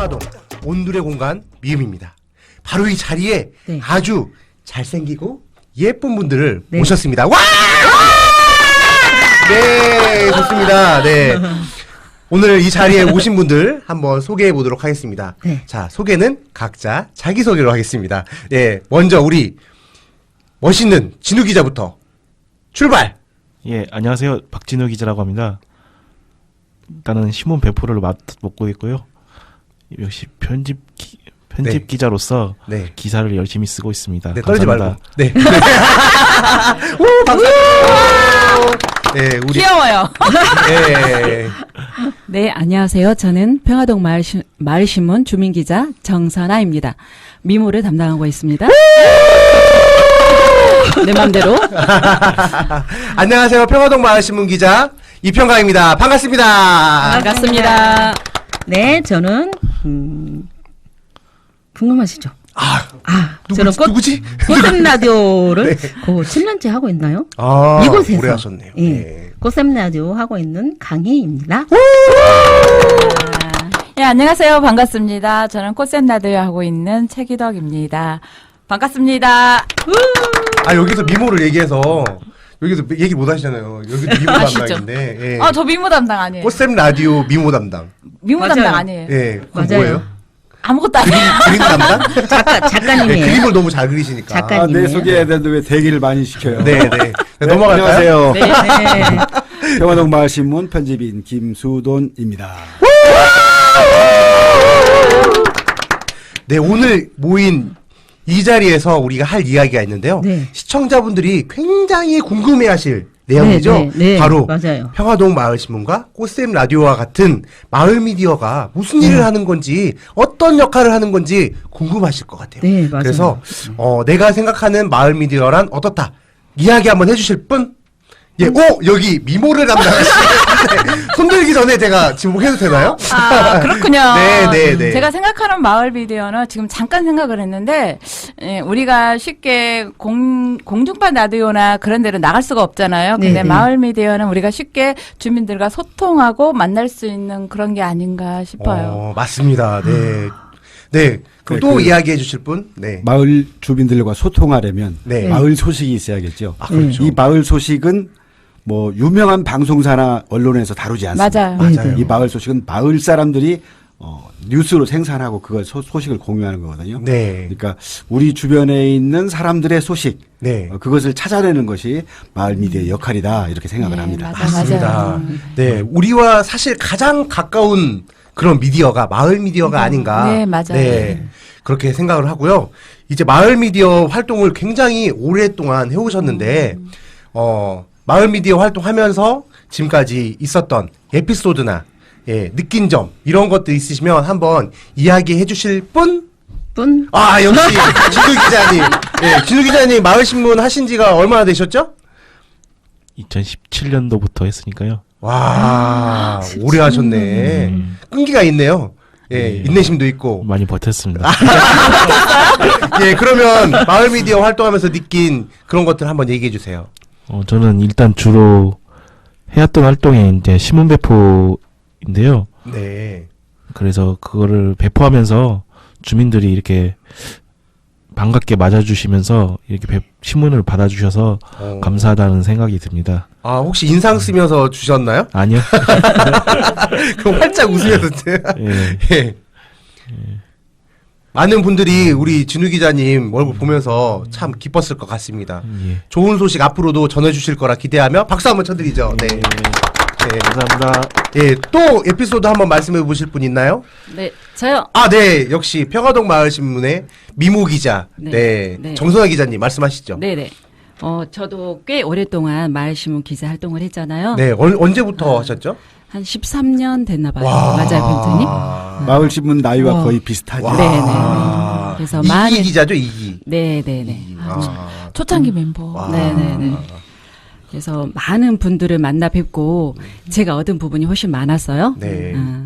평화동 온누리 공간 미음입니다. 바로 이 자리에 네. 아주 잘생기고 예쁜 분들을 네. 모셨습니다. 와! 네, 좋습니다. 네. 오늘 이 자리에 오신 분들 한번 소개해 보도록 하겠습니다. 네. 자, 소개는 각자 자기소개로 하겠습니다. 예, 먼저 우리 멋있는 진우 기자부터 출발! 예, 안녕하세요. 박진우 기자라고 합니다. 일단은 신문 배포를 맡고 있고요. 역시 편집 네. 기자로서 네. 기사를 열심히 쓰고 있습니다. 네, 떨지 말고. 감사합니다. 네. 오, 박수! 네, 우리. 귀여워요. 네. 네, 안녕하세요. 저는 평화동 마을신문 주민기자 정선아입니다. 미모를 담당하고 있습니다. 내 맘대로. 안녕하세요. 평화동 마을신문 기자 이평강입니다. 반갑습니다. 반갑습니다. 네, 저는 궁금하시죠? 저는 누구지? 꽃샘 라디오를 7년째 하고 있나요? 아, 이곳에서 오래 하셨네요. 예, 네. 꽃샘 라디오 하고 있는 강희입니다. 예, 안녕하세요. 반갑습니다. 저는 꽃샘라디오 하고 있는 최기덕입니다. 반갑습니다. 아, 여기서 미모를 얘기해서 여기서 얘기 못 하시잖아요. 여기도 미모 아시죠? 담당인데. 예. 저 미모 담당 아니에요. 꽃샘 라디오 미모 담당. 미모 맞아요. 담당 아니에요. 예. 그건 맞아요. 뭐예요? 아무것도 아니에요. 그림 담당? 네, 작가님이에요. 그림을 너무 잘 그리시니까. 작가님. 내 소개해야 되는데 왜 대기를 많이 시켜요? 네, 네. 네, 넘어갈까요? 안녕하세요. 네. 평화동 마을신문 편집인 김수돈입니다. 네, 오늘 모인 이 자리에서 우리가 할 이야기가 있는데요. 네. 시청자분들이 굉장히 궁금해하실 내용이죠. 네, 네, 네. 바로 맞아요. 평화동 마을신문과 꽃샘 라디오와 같은 마을 미디어가 무슨 일을 하는 건지 어떤 역할을 하는 건지 궁금하실 것 같아요. 네, 맞아요. 그래서 내가 생각하는 마을 미디어란 어떻다 이야기 한번 해주실 분? 예, 여기 미모를 담당하시는 손들기 전에 제가 지목해도 되나요? 그렇군요. 네, 네, 네. 제가 생각하는 마을 미디어는 지금 잠깐 생각을 했는데, 우리가 쉽게 공중파 라디오나 그런 데로 나갈 수가 없잖아요. 근데 네, 네. 마을 미디어는 우리가 쉽게 주민들과 소통하고 만날 수 있는 그런 게 아닌가 싶어요. 맞습니다. 네. 네. 그럼 네, 또 그 이야기해 주실 분? 네. 마을 주민들과 소통하려면 네. 마을 소식이 있어야겠죠. 아, 그렇죠. 이 마을 소식은 뭐 유명한 방송사나 언론에서 다루지 않습니다. 맞아요. 맞아요. 이 마을 소식은 마을 사람들이 뉴스로 생산하고 그걸 소식을 공유하는 거거든요. 네. 그러니까 우리 주변에 있는 사람들의 소식, 네. 그것을 찾아내는 것이 마을 미디어의 역할이다 이렇게 생각을 네, 합니다. 맞아요. 맞습니다. 네. 우리와 사실 가장 가까운 그런 미디어가 마을 미디어가 아닌가. 네, 맞아요. 네. 그렇게 생각을 하고요. 이제 마을 미디어 활동을 굉장히 오랫동안 해오셨는데, 마을 미디어 활동하면서 지금까지 있었던 에피소드나, 예, 느낀 점, 이런 것들 있으시면 한번 이야기해 주실 분? 역시, 진우 기자님. 예, 진우 기자님 마을신문 하신 지가 얼마나 되셨죠? 2017년도부터 했으니까요. 와, 오래 하셨네. 끈기가 있네요. 예, 인내심도 있고. 많이 버텼습니다. 예, 그러면 마을 미디어 활동하면서 느낀 그런 것들 한번 얘기해 주세요. 저는 일단 주로 해왔던 활동이 이제 신문 배포인데요. 네. 그래서 그거를 배포하면서 주민들이 이렇게 반갑게 맞아주시면서 이렇게 신문을 받아주셔서 감사하다는 생각이 듭니다. 아, 혹시 인상 쓰면서 주셨나요? 아니요. 그럼 활짝 웃으면서. 예. 예. 많은 분들이 우리 진우 기자님 얼굴 보면서 참 기뻤을 것 같습니다. 예. 좋은 소식 앞으로도 전해주실 거라 기대하며 박수 한번 쳐드리죠. 네. 네. 감사합니다. 예, 또 에피소드 한번 말씀해 보실 분 있나요? 네, 저요. 아, 네. 역시 평화동 마을신문의 미모 기자. 네. 네. 네. 정선아 기자님 말씀하시죠. 네네. 저도 꽤 오랫동안 마을신문 기자 활동을 했잖아요. 네. 언제부터 하셨죠? 한 13년 됐나 봐요. 와. 맞아요, 벤트님? 마을신문 나이와 와. 거의 비슷하죠. 와. 네네. 그래서 이기 많은 기자죠, 이기. 네네네. 아. 초창기 멤버. 와. 네네네. 그래서 많은 분들을 만나 뵙고 제가 얻은 부분이 훨씬 많았어요. 네.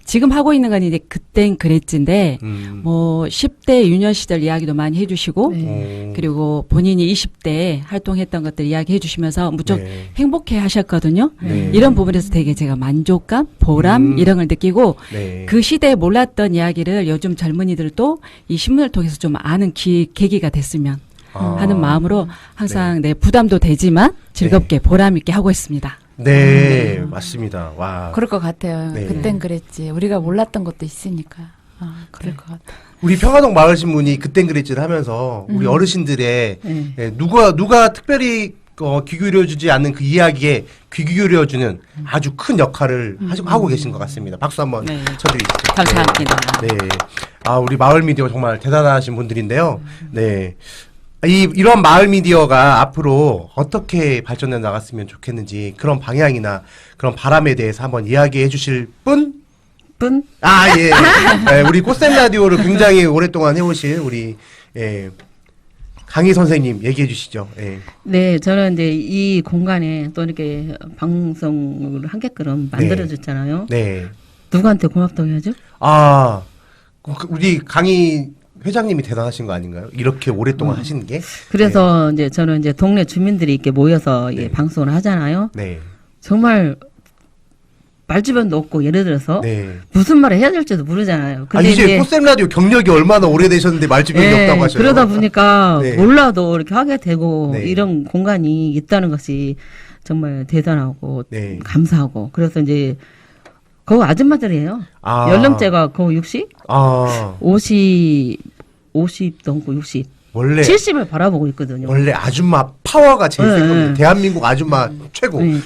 지금 하고 있는 건 이제 그땐 그랬지인데 뭐 10대 유년 시절 이야기도 많이 해주시고 네. 그리고 본인이 20대에 활동했던 것들 이야기해 주시면서 무척 네. 행복해 하셨거든요. 네. 이런 부분에서 되게 제가 만족감, 보람 이런 걸 느끼고 네. 그 시대에 몰랐던 이야기를 요즘 젊은이들도 이 신문을 통해서 좀 아는 계기가 됐으면 아. 하는 마음으로 항상 내 부담도 되지만 즐겁게 보람 있게 하고 있습니다. 네, 맞습니다. 와. 그럴 것 같아요. 네. 그땐 그랬지. 우리가 몰랐던 것도 있으니까. 그럴 것 같아. 우리 평화동 마을신문이 그땐 그랬지 하면서 우리 어르신들의 네. 예, 누가 특별히 귀 기울여주지 않는 그 이야기에 귀 기울여주는 아주 큰 역할을 하고 계신 것 같습니다. 박수 한번 네. 쳐드리시죠. 감사합니다. 네. 아, 우리 마을 미디어 정말 대단하신 분들인데요. 네. 이런 마을 미디어가 앞으로 어떻게 발전해 나갔으면 좋겠는지 그런 방향이나 그런 바람에 대해서 한번 이야기해 주실 분? 아, 예. 네, 우리 꽃샘 라디오를 굉장히 오랫동안 해오실 우리, 예, 강희 선생님 얘기해 주시죠. 예. 네, 저는 이제 이 공간에 또 이렇게 방송을 하게끔 만들어줬잖아요. 네. 누구한테 고맙다고 해야죠? 아, 우리 강희 회장님이 대단하신 거 아닌가요? 이렇게 오랫동안 하시는 게? 그래서 이제 저는 이제 동네 주민들이 이렇게 모여서 네. 이 방송을 하잖아요. 네. 정말 말주변도 없고 예를 들어서 네. 무슨 말을 해야 될지도 모르잖아요. 아, 이제 꽃샘 라디오 경력이 얼마나 오래되셨는데 말주변이 예, 없다고 하셔요. 그러다 보니까 네. 몰라도 이렇게 하게 되고 네. 이런 공간이 있다는 것이 정말 대단하고 네. 감사하고 그래서 이제 그 아줌마들이에요. 아. 연령대가 거의 60? 아, 50 넘고 60. 원래 70을 바라보고 있거든요. 원래 아줌마 파워가 제일 네, 센 겁니다. 네. 대한민국 아줌마 최고. 네,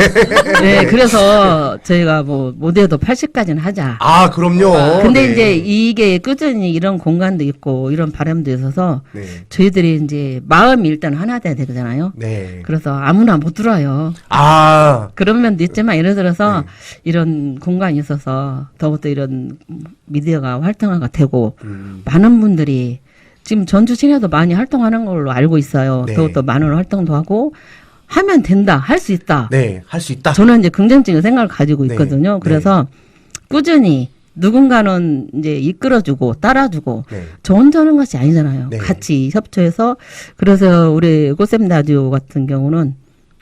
그래서 저희가 뭐 못해도 80까지는 하자. 아, 그럼요. 근데 네. 이제 이게 꾸준히 이런 공간도 있고 이런 바람도 있어서 네. 저희들이 이제 마음이 일단 하나 돼야 되잖아요. 네. 그래서 아무나 못 들어와요. 아, 그런 면도 있지만 예를 들어서 네. 이런 공간이 있어서 더욱더 이런 미디어가 활성화가 되고 음, 많은 분들이 지금 전주 시내도 많이 활동하는 걸로 알고 있어요. 네. 더욱더 많은 활동도 하고 하면 된다, 할 수 있다. 네, 할 수 있다. 저는 이제 긍정적인 생각을 가지고 네. 있거든요. 네. 그래서 꾸준히 누군가는 이제 이끌어주고 따라주고 네. 저 혼자 하는 것이 아니잖아요. 네. 같이 협조해서 그래서 우리 꽃샘 라디오 같은 경우는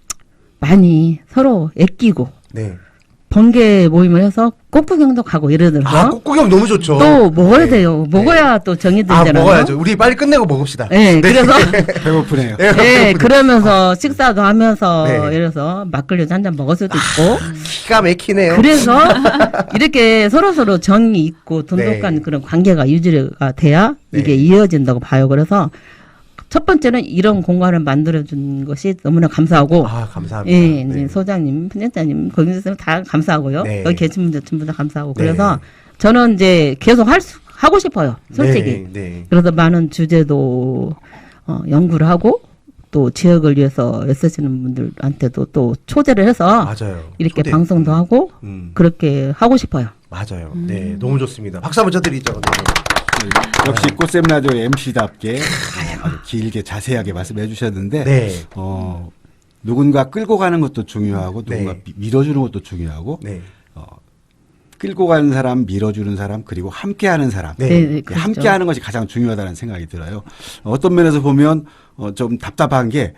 많이 서로 애끼고 네. 번개 모임을 해서 꽃구경도 가고 예를 들어서 아, 꽃구경 너무 좋죠. 또 먹어야 네. 돼요. 먹어야 또 정이 아, 들잖아요. 먹어야죠. 우리 빨리 끝내고 먹읍시다. 네, 그래서 배고프네요. 네, 그러면서 식사도 하면서 네. 예를 들어서 막걸리도 한 잔 먹을 수도 있고 기가 막히네요. 그래서 이렇게 서로 정이 있고 돈독한 네. 그런 관계가 유지가 돼야 네. 이게 이어진다고 봐요. 그래서 첫 번째는 이런 공간을 만들어준 것이 너무나 감사하고 아, 감사합니다. 예, 네. 이제 소장님, 편집자님, 거기서 다 감사하고요. 네. 여기 계신 분들 전부 다 감사하고 네. 그래서 저는 이제 계속 하고 싶어요. 솔직히. 네, 네. 그래서 많은 주제도 연구를 하고 또 지역을 위해서 애쓰시는 분들한테도 또 초대를 해서 맞아요. 이렇게 초대. 방송도 하고 그렇게 하고 싶어요. 맞아요. 네, 너무 좋습니다. 박수 한번 쳐드리죠. 네. 역시 꽃샘 라디오 MC답게 아주 길게 자세하게 말씀해 주셨는데 네. 누군가 끌고 가는 것도 중요하고 누군가 네. 밀어주는 것도 중요하고 네. 끌고 가는 사람, 밀어주는 사람, 그리고 함께하는 사람. 네. 네, 그렇죠. 함께하는 것이 가장 중요하다는 생각이 들어요. 어떤 면에서 보면 좀 답답한 게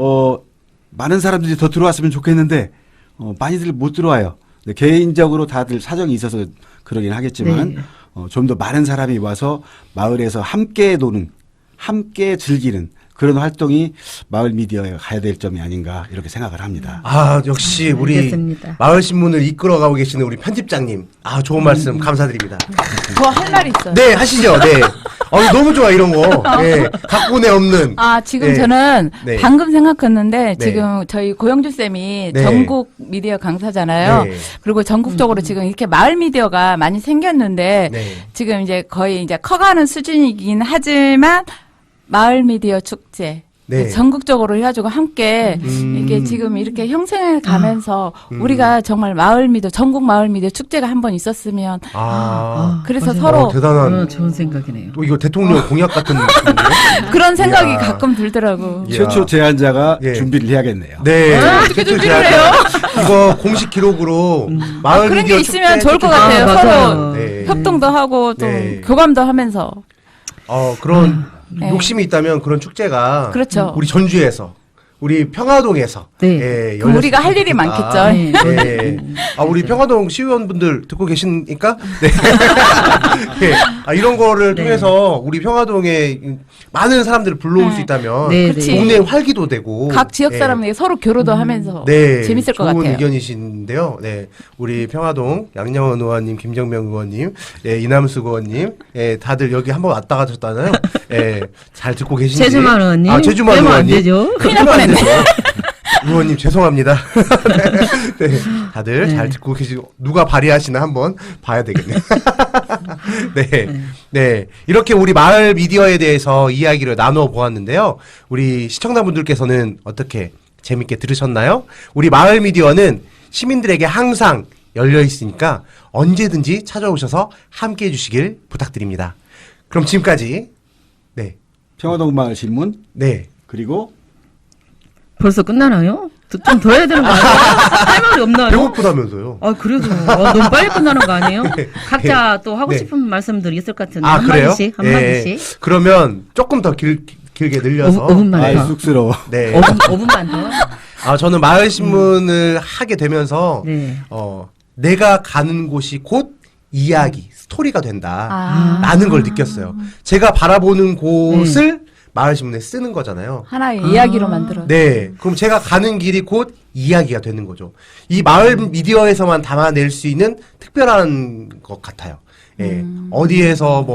많은 사람들이 더 들어왔으면 좋겠는데 많이들 못 들어와요. 근데 개인적으로 다들 사정이 있어서 그러긴 하겠지만 네. 좀 더 많은 사람이 와서 마을에서 함께 노는, 함께 즐기는 그런 활동이 마을 미디어에 가야 될 점이 아닌가 이렇게 생각을 합니다. 아, 역시 우리 알겠습니다. 마을신문을 이끌어가고 계시는 우리 편집장님. 아, 좋은 말씀 감사드립니다. 저 할 말이 있어요. 네, 하시죠. 네. 너무 좋아, 이런 거. 네. 각본에 없는. 아, 지금 네. 저는 네. 방금 생각했는데 네. 지금 저희 고영주 쌤이 네. 전국 미디어 강사잖아요. 네. 그리고 전국적으로 지금 이렇게 마을 미디어가 많이 생겼는데 네. 지금 이제 거의 이제 커가는 수준이긴 하지만 마을 미디어 축제 네. 전국적으로 해가지고 함께 이게 지금 이렇게 형성해 가면서 우리가 정말 마을 미디어 전국 마을 미디어 축제가 한 번 있었으면 그래서 맞아요. 서로 대단한. 좋은 생각이네요. 또 이거 대통령 공약 같은 느낌인데요? 그런 생각이 이야. 가끔 들더라고. 이야. 최초 제안자가 예. 준비를 해야겠네요. 네. 어떻게 최초 준비를 제안자. 해요? 이거 공식 기록으로 마을 그런 미디어 게 있으면 축제 좋을 것 축제- 같아요. 맞아요. 서로 네. 협동도 하고 좀 네. 교감도 하면서. 그런 네. 욕심이 있다면 그런 축제가 그렇죠. 우리 전주에서 우리 평화동에서 네. 예, 그럼 우리가 할 열렸으면 일이 좋겠다. 많겠죠. 네. 네. 우리 평화동 시의원분들 듣고 계십니까? 네. 네. 이런 거를 네. 통해서 우리 평화동에 많은 사람들을 불러올 수 있다면 네, 그치. 네. 동네 활기도 되고 각 지역 네. 사람들이 서로 교류도 하면서 네, 재밌을 것 좋은 같아요. 의견이신데요. 네, 우리 평화동 양영원 의원님, 김정명 의원님, 예, 이남수 의원님, 예, 다들 여기 한번 왔다 가셨잖아요. 예, 잘 듣고 계신지. 제주만 의원님. 제주만 빼면 안 의원님. 되죠. 큰일 날 뻔했네. 의원님 죄송합니다. 네, 다들 잘 듣고 계시고 누가 발의하시나 한번 봐야 되겠네요. 네, 네, 이렇게 우리 마을 미디어에 대해서 이야기를 나누어 보았는데요. 우리 시청자분들께서는 어떻게 재밌게 들으셨나요? 우리 마을 미디어는 시민들에게 항상 열려 있으니까 언제든지 찾아오셔서 함께 해주시길 부탁드립니다. 그럼 지금까지 네, 평화동 마을 신문 네. 그리고 벌써 끝나나요? 좀 더 해야 되는 거 아니에요? 할 말이 없나요? 배고프다면서요? 그래도 너무 빨리 끝나는 거 아니에요? 각자 또 하고 네. 싶은 말씀들이 있을 것 같은데 그래요? 한마디씩 예. 한마디씩 그러면 조금 더 길게 늘려서 5분만 아이 더 쑥스러워. 네. 5분만 더 저는 마을 신문을 하게 되면서 네. 내가 가는 곳이 곧 이야기, 스토리가 된다. 아. 라는 걸 느꼈어요. 제가 바라보는 곳을 마을 신문에 쓰는 거잖아요. 하나의 이야기로 만들어. 네. 그럼 제가 가는 길이 곧 이야기가 되는 거죠. 이 마을 미디어에서만 담아낼 수 있는 특별한 것 같아요. 예. 어디에서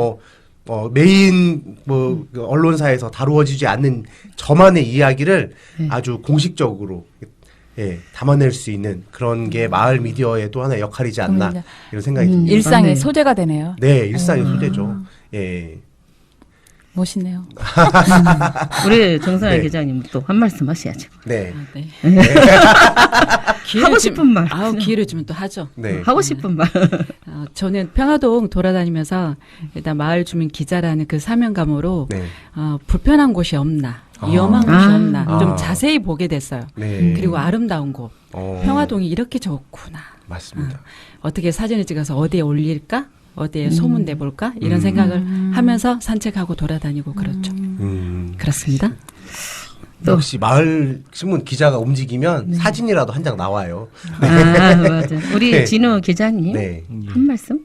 메인 그 언론사에서 다루어지지 않는 저만의 이야기를 아주 공식적으로 담아낼 수 있는 그런 게 마을 미디어의 또 하나의 역할이지 않나 그럼요. 이런 생각이 듭니다. 일상의 네. 소재가 되네요. 네, 일상의 소재죠. 예. 멋있네요. 우리 정선아 네. 기자님 또 한 말씀 하셔야죠. 네. 네. 하고 싶은 말. 기회를 주면 또 하죠. 네. 하고 싶은 말. 저는 평화동 돌아다니면서 일단 마을 주민 기자라는 그 사명감으로 네. 불편한 곳이 없나, 위험한 곳이 없나 아. 좀 자세히 보게 됐어요. 네. 그리고 아름다운 곳, 평화동이 이렇게 좋구나. 맞습니다. 어떻게 사진을 찍어서 어디에 올릴까? 어디에 소문 내볼까? 이런 생각을 하면서 산책하고 돌아다니고 그렇죠. 그렇습니다. 역시 마을 신문 기자가 움직이면 사진이라도 한 장 나와요. 맞아. 우리 네. 진우 기자님 네. 한 말씀.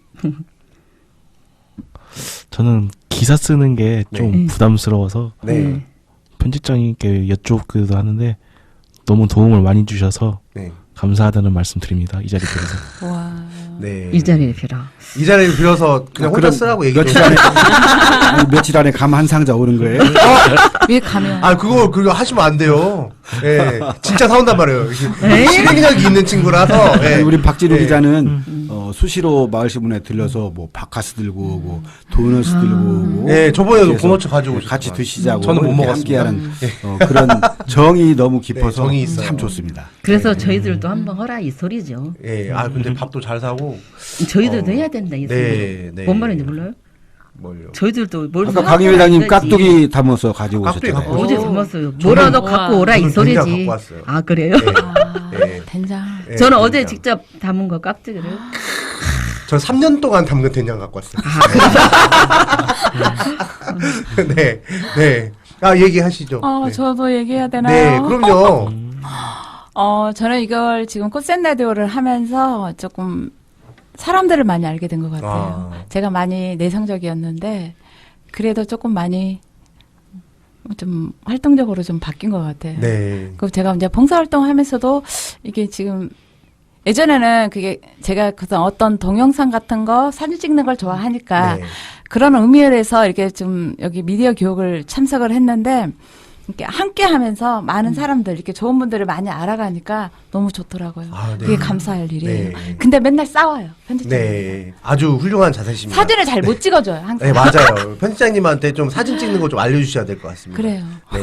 저는 기사 쓰는 게 좀 네. 부담스러워서 네. 편집장님께 여쭙기도 하는데 너무 도움을 많이 주셔서 네. 감사하다는 말씀 드립니다. 이 자리에 대해서. 와. 네. 이 자리를 빌어. 이 자리를 빌어서 그냥 혼자 그럼 쓰라고 얘기 좀. 며칠 안에 감 한 상자 오는 거예요? 왜 가면? 그거 하시면 안 돼요. 예. 진짜 사온단 말이에요. 에이? 실행력이 있는 친구라서. 예. 우리 박진우 예. 기자는 수시로 마을신문에 들려서 뭐 바카스 들고 오고 도넛 들고 오고 예, 저번에도 그래서 도넛 가지고 같이 오셨더만. 드시자고 저는 못 이렇게 먹었습니다. 함께하는 그런 정이 너무 깊어서 네, 정이 있어요. 참 좋습니다. 그래서 저희들도 한번 허라 이 소리죠. 예. 근데 밥도 잘 사고. 저희들도 해야 된다 이 소리. 네, 네. 뭔 말인지 몰라요? 뭘요? 저희들도 뭘 아까 사갖고 강 회장님 와야지. 깍두기 담아서 가지고 깍두기 오셨잖아요. 갖고 어제 담았어요. 뭐라도 갖고 오라 이 저는 된장 소리지. 갖고 왔어요. 아 그래요? 예. 된장. 예, 저는 어제 된장. 직접 담은 거 깍두기를. 전 3년 동안 담근 된장 갖고 왔어요. 네. 네. 얘기하시죠. 네. 저도 얘기해야 네, 되나요? 그럼요. 저는 이걸 지금 꽃샘 라디오를 하면서 조금 사람들을 많이 알게 된 것 같아요. 제가 많이 내성적이었는데 그래도 조금 많이 좀 활동적으로 좀 바뀐 것 같아요. 네. 그 제가 이제 봉사활동하면서도 이게 지금 예전에는 그게 제가 어떤 동영상 같은 거 사진 찍는 걸 좋아하니까 네. 그런 의미에서 이렇게 좀 여기 미디어 교육을 참석을 했는데 이렇게 함께 하면서 많은 사람들 이렇게 좋은 분들을 많이 알아가니까 너무 좋더라고요. 네. 그게 감사할 일이에요. 네. 근데 맨날 싸워요. 편집장. 네. 아주 훌륭한 자세십니다. 사진을 잘 못 찍어줘요. 항상. 네, 맞아요. 편집장님한테 좀 사진 찍는 거 좀 알려주셔야 될 것 같습니다. 그래요. 네.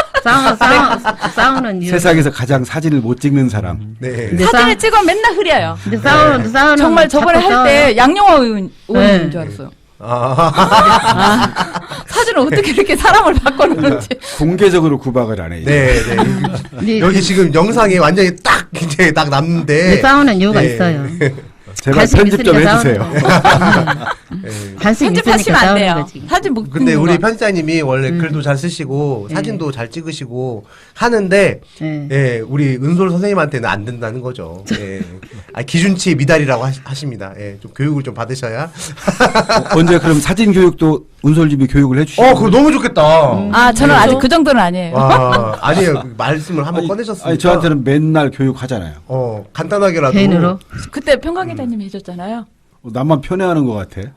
싸우는 이유. 세상에서 가장 사진을 못 찍는 사람. 네. 근데 사진을 찍으면 맨날 흐려요. 근데 싸우는 정말 저번에 자꾸 할 때 양용화 의원인 네. 줄 알았어요. 아, 사진을 어떻게 이렇게 사람을 바꿔놓는지. 공개적으로 구박을 안 해요. 네, 네. 네. 여기 지금 영상에 완전히 딱 굉장히 딱 남는데. 네, 싸우는 이유가 예. 있어요. 제발 관심 편집 좀 있으니까 해주세요. 싸우는 거고. 예. 관심 편집하시면 있으니까 안 싸우는 돼요. 거지. 사진 못 근데 찍는 우리 거. 편집자님이 원래 글도 잘 쓰시고 예. 사진도 잘 찍으시고 하는데 예. 예, 우리 은솔 선생님한테는 안 된다는 거죠. 예. 아, 기준치 미달이라고 하십니다. 예, 좀 교육을 좀 받으셔야. 언제 그럼 사진 교육도 은솔집이 교육을 해주시고. 그거 너무 좋겠다. 아, 저는 아직 그 정도는 아니에요. 와, 아니에요. 그 말씀을 한번 꺼내셨으니까. 아니 저한테는 맨날 교육하잖아요. 간단하게라도. 개인으로. 그때 평강 기자님이 해줬잖아요. 나만 편애하는 것 같아.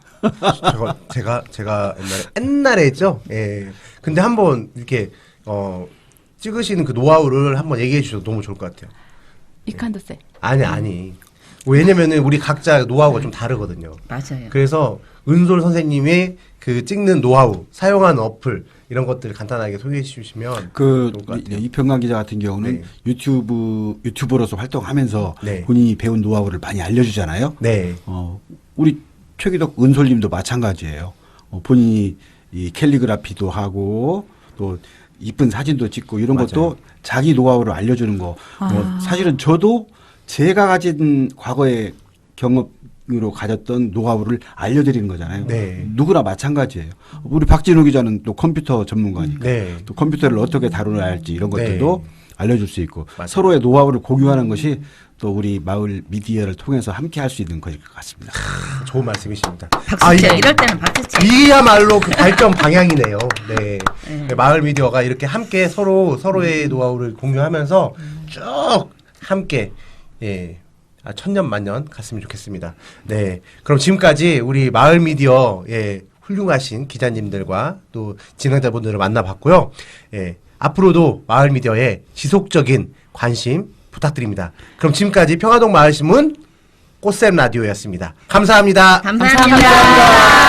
제가 옛날에 했죠. 예. 근데 한번 이렇게 찍으시는 그 노하우를 한번 얘기해 주셔도 너무 좋을 것 같아요. 이칸더세. 아니. 왜냐면은 우리 각자 노하우가 좀 다르거든요. 맞아요. 그래서 은솔 선생님의 그 찍는 노하우, 사용하는 어플 이런 것들을 간단하게 소개해 주시면 그 좋을 것 같아요. 이평강 기자 같은 경우는 네. 유튜버로서 활동하면서 네. 본인이 배운 노하우를 많이 알려주잖아요. 네. 우리 최기덕 은솔님도 마찬가지예요. 본인이 이 캘리그라피도 하고 또 이쁜 사진도 찍고 이런 맞아요. 것도 자기 노하우를 알려주는 거. 아. 사실은 저도 제가 가진 과거의 경험으로 가졌던 노하우를 알려드리는 거잖아요. 네. 누구나 마찬가지예요. 우리 박진우 기자는 또 컴퓨터 전문가니까 네. 또 컴퓨터를 어떻게 다루어야 할지 이런 것들도 네. 알려줄 수 있고 맞아요. 서로의 노하우를 공유하는 것이 또 우리 마을 미디어를 통해서 함께 할 수 있는 것일 것 같습니다. 좋은 말씀이십니다. 박수채. 이럴 때는 박수채. 이야말로 그 발전 방향이네요. 네. 네. 마을 미디어가 이렇게 함께 서로의 노하우를 공유하면서 쭉 함께, 예. 천년만년 갔으면 좋겠습니다. 네. 그럼 지금까지 우리 마을 미디어, 예, 훌륭하신 기자님들과 또 진행자분들을 만나봤고요. 예. 앞으로도 마을 미디어에 지속적인 관심 부탁드립니다. 그럼 지금까지 평화동 마을신문 꽃샘 라디오였습니다. 감사합니다. 감사합니다.